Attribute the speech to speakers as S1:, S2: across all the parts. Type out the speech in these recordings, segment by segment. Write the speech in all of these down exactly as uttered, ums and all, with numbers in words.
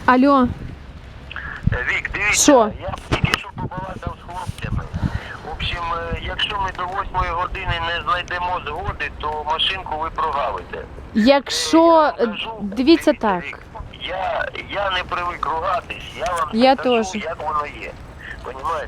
S1: Алло.
S2: Вік, дивіться,
S1: Що?
S2: я тільки що побалакав з хлопцями. В общем, якщо ми до восьмої години не знайдемо згоди, то машинку ви прогавите.
S1: Якщо, дивіться так.
S2: Вік, я, я не привик ругатись, я вам
S1: Я
S2: скажу,
S1: теж.
S2: як воно є. Понімаєте?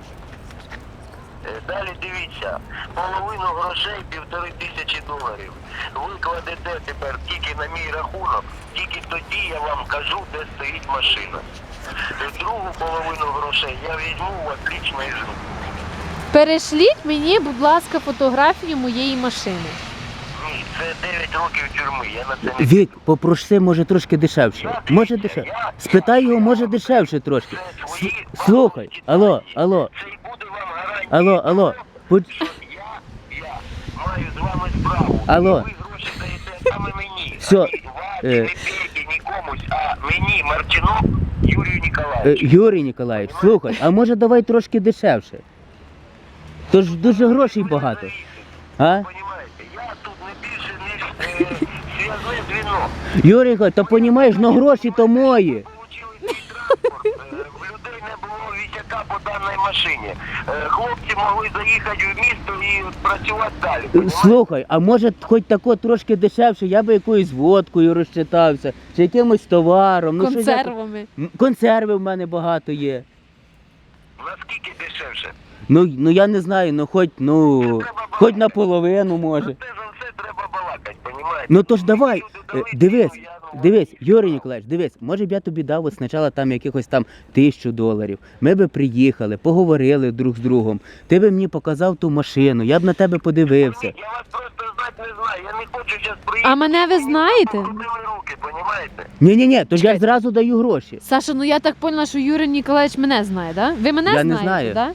S2: Далі дивіться, половину грошей, півтори тисячі доларів, ви кладете тепер тільки на мій рахунок, тільки тоді я вам кажу, де стоїть машина. Другу половину грошей я візьму у вас лічно із рук.
S1: Перешліть мені, будь ласка, фотографію моєї машини.
S2: Ні, це дев'ять років тюрми, я на це не...
S3: Вік, попроси, може трошки дешевше. Може дешевше. Спитай його, може дешевше трошки.
S2: Це свої
S3: С- Слухай, алло, алло,
S2: Це й буде вам гарантія.
S3: алло, алло. Будь-
S2: Що я, я маю з вами справу.
S3: Алло.
S2: І ви гроші даєте саме мені.
S3: Все,
S2: А ні вас,
S3: е.
S2: не пейте нікомусь, а мені, Марчинок, Юрію
S3: Е,
S2: Ніколаєвичу.
S3: Юрій Ніколаєвич, слухай, а може давай трошки дешевше? Тож дуже грошей багато. А?
S2: Понімаєте, я тут не більше, ніж е, зв'язне звіно.
S3: Юрій Ніколаєвич, то понімаєш, ну гроші то мої.
S2: Получили свій транспорт, е, в людей не було вітяка по даній машині. Е, Хлопці могли заїхати в місто і працювати далі.
S3: Е,
S2: понімаєте?
S3: Слухай, а може хоч тако трошки дешевше, я би якоюсь водкою розчитався, чи якимось товаром. Ну, щось я-
S1: Консервами.
S3: М, Консерви в мене багато є.
S2: Наскільки дешевше?
S3: Ну, ну я не знаю, ну хоч, ну, хоч наполовину може.
S2: Це за все треба балакати, понімаєте?
S3: Ну то ж давай,
S2: Люди
S3: е,
S2: дали
S3: дивись,
S2: ціну, я, ну,
S3: дивись, Юрій Ніколаєвич, дивись, може б я тобі дав от спочатку там якихось там тисячу доларів. Ми би приїхали, поговорили друг з другом. Ти би мені показав ту машину, я б на тебе подивився.
S2: Я вас просто знати не знаю, я не хочу зараз приїхати.
S1: А мене ви знаєте?
S2: Покрутили руки, понімаєте?
S3: Ні-ні-ні, то ж я зразу даю гроші.
S1: Саша, ну я так поняла, що Юрій Ніколаєвич мене знає, да? Ви мене
S3: Я не
S1: знаєте,
S3: знаю.
S1: да?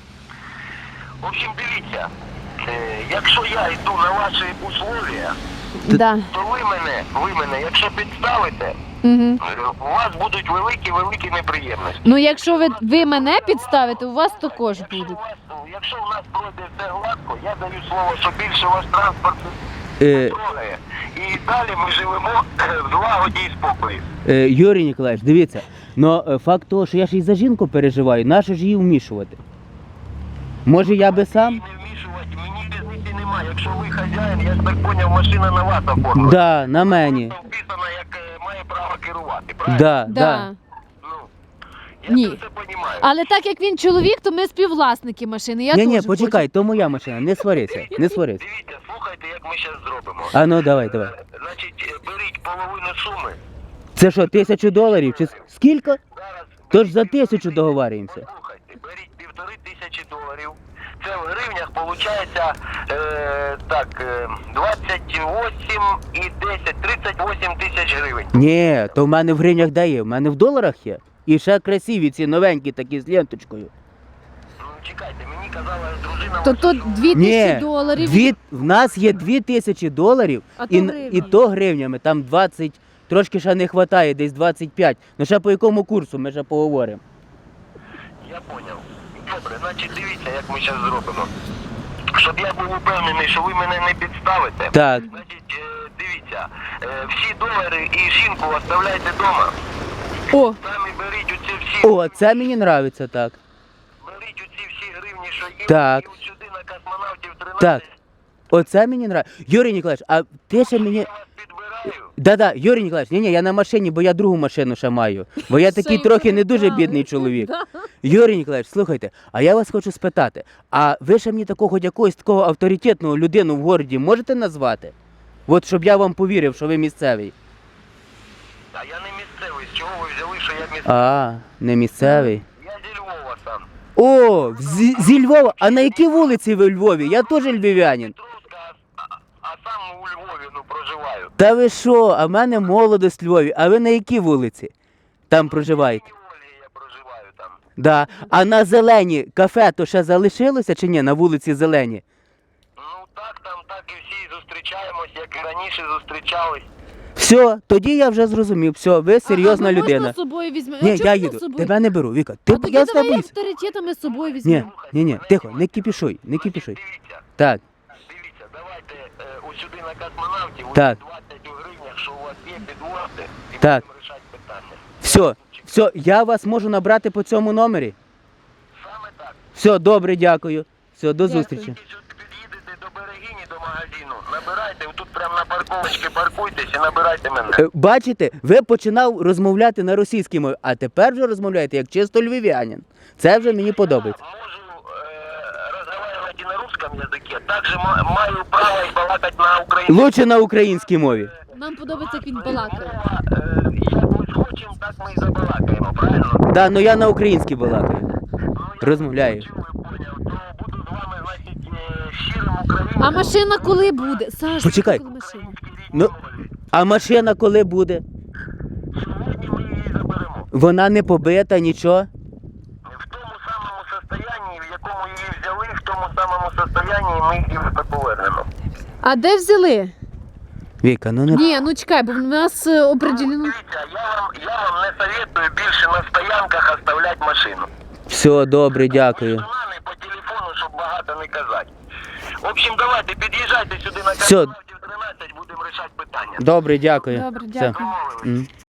S2: В общем, дивіться, е, якщо я йду на ваші условия,
S1: Да.
S2: то ви мене, ви мене, якщо підставите,
S1: Угу.
S2: е, у вас будуть великі-великі неприємності.
S1: Ну якщо ви, ви мене підставите, у вас також
S2: Якщо у
S1: будуть.
S2: вас, якщо у нас пройде все гладко, я даю слово, що більше ваш транспорт
S3: Е,
S2: не трогає. І далі ми живемо в злагоді і спокої.
S3: е, Юрій Ніколаєвич, дивіться, но е, факт того, що я ж і за жінку переживаю, нащо ж її вмішувати? Може я би сам?
S2: І не вмішувати, мені різниці немає. Якщо ви хазяїн, я ж так поняв, машина на вас оформлена.
S3: Да, на мені.
S2: Просто вписана, як е, має право керувати, правильно?
S3: Да, да.
S1: Да.
S2: Ну, я
S1: Ні.
S2: це все розумію.
S1: Але так як він чоловік, то ми співвласники машини. Я
S3: Ні, ні,
S1: теж
S3: почекай, то моя машина, не сварися, не сварися.
S2: Дивіться, слухайте, як ми зараз зробимо.
S3: А ну давай, давай.
S2: Е, Значить, е, беріть половину суми.
S3: Це що, тисячу доларів? Чи с- скільки?
S2: Зараз
S3: Тож за тисячу договарюємося.
S2: Послухайте, беріть півтори тисячі доларів. Це в гривнях виходить е, так, е, двадцять вісім і десять, тридцять вісім тисяч гривень.
S3: Ні, то в мене в гривнях де є, в мене в доларах є. І ще красиві ці новенькі такі з ленточкою.
S2: Ну, чекайте, мені казала дружина...
S1: То
S2: ваша,
S1: тут
S2: що-
S1: дві тисячі
S3: Ні,
S1: доларів.
S3: дві, в нас є дві тисячі доларів,
S1: А то
S3: і,
S1: гривні.
S3: і то гривнями, там двадцять, трошки ще не вистачає, десь двадцять п'ять. Ну ще по якому курсу, ми ще поговоримо.
S2: Я поняв. Добре, значить дивіться, як ми зараз зробимо. Щоб я був упевнений, що ви мене не підставите.
S3: Так,
S2: Значить, е, дивіться, е, всі долари і жінку оставляйте вдома.
S1: О,
S2: Самі беріть оці всі...
S3: о, це мені подобається, так.
S2: Беріть оці всі гривні, що є,
S3: Так.
S2: і от сюди на космонавтів тринадцять.
S3: Так. Оце мені подобається. Юрій Ніколаєвич, а ти ще мені...
S2: Я вас підбираю.
S3: Да-да, Юрій Ніколаєвич, ні-ні, я на машині, бо я другу машину ще маю. Бо я такий
S1: Ще й
S3: трохи не дуже
S1: передали.
S3: бідний чоловік.
S1: Да.
S3: Юрій Ніколаєвич, слухайте, а я вас хочу спитати, а ви ще мені такого хоч якогось такого авторитетного людину в городі можете назвати? От щоб я вам повірив, що ви місцевий.
S2: А я не місцевий. З чого ви взяли, що я місцевий?
S3: А, не місцевий.
S2: Я зі Львова сам.
S3: О, зі, зі Львова. А на якій вулиці ви в Львові? Я теж львів'янин.
S2: Петровська, а, а сам у Львові, ну, проживаю.
S3: Та ви що, а в мене молодость в Львові. А ви на якій вулиці там проживаєте?
S2: В Ольгі я проживаю там.
S3: Да. А на Зелені кафе то ще залишилося чи ні, на вулиці Зелені?
S2: Ну так, там так і всі зустрічаємось, як і раніше зустрічались.
S3: Все, тоді я вже зрозумів, все, ви серйозна
S1: а, ну,
S3: людина.
S1: Можна з собою візьмемо?
S3: Ні,
S1: А чого
S3: я
S1: ти
S3: їду,
S1: з собою?
S3: тебе не беру, Віка. Ти,
S1: А тоді
S3: я з
S1: давай
S3: тобою.
S1: авторитетами з собою
S3: Ні,
S1: візьмемо.
S3: ні, ні, тихо, не кипішуй, не кипішуй.
S2: Дивіться,
S3: Так,
S2: дивіться, давайте е, ось сюди на космонавтів, ось
S3: Так.
S2: двадцять у гривнях, що у вас є, підвозьте, і
S3: Так.
S2: будемо рішати питання.
S3: все, Все, я вас можу набрати по цьому номері.
S2: Саме так.
S3: Все, добре, дякую. Все, до
S1: Дякую.
S3: зустрічі.
S2: Тільки що під'їдете до Берегині, до магазину, набирайте, тут прямо на парковочці паркуйтесь і набирайте мене.
S3: Е, Бачите, ви починав розмовляти на російській мові, а тепер вже розмовляєте як чисто львів'янин. Це вже мені подобається.
S2: Я можу э, разговаривать и на русском языке, также ма- маю право и балакать на українському.
S3: Лучше на українській мові.
S1: Нам подобається, як він балакає.
S2: Мова, е, як ми схочемо, так ми і забалакаємо, правильно?
S3: Да, ну я на українській балакаю.
S2: Ну, я
S3: Розмовляю.
S2: почув і поняв, то буду з вами, значить, е, щирим українцем.
S1: А машина коли буде? Саш,
S3: Почекай.
S1: коли машина?
S3: Ну, а машина коли буде?
S2: Сьогодні ми її заберемо.
S3: Вона не побита, нічого.
S2: В тому самому состоянні, в якому її взяли, в тому самому состоянні ми її повернемо.
S1: А де взяли?
S3: Віка, ну не.
S1: Ні, ну чекай, бо в нас е, определено.
S2: Дивіться, я вам, я вам не советую більше на стоянках оставляти машину.
S3: Все, добре, дякую.
S2: З нами по телефону, щоб багато не казати. В общем, давайте, під'їжджайте сюди на
S3: Всьо.
S2: космонавтів тринадцять, будемо рішати питання.
S3: Добре, дякую.
S1: Добре,
S3: Все.
S1: дякую.
S2: Домовились.
S3: М.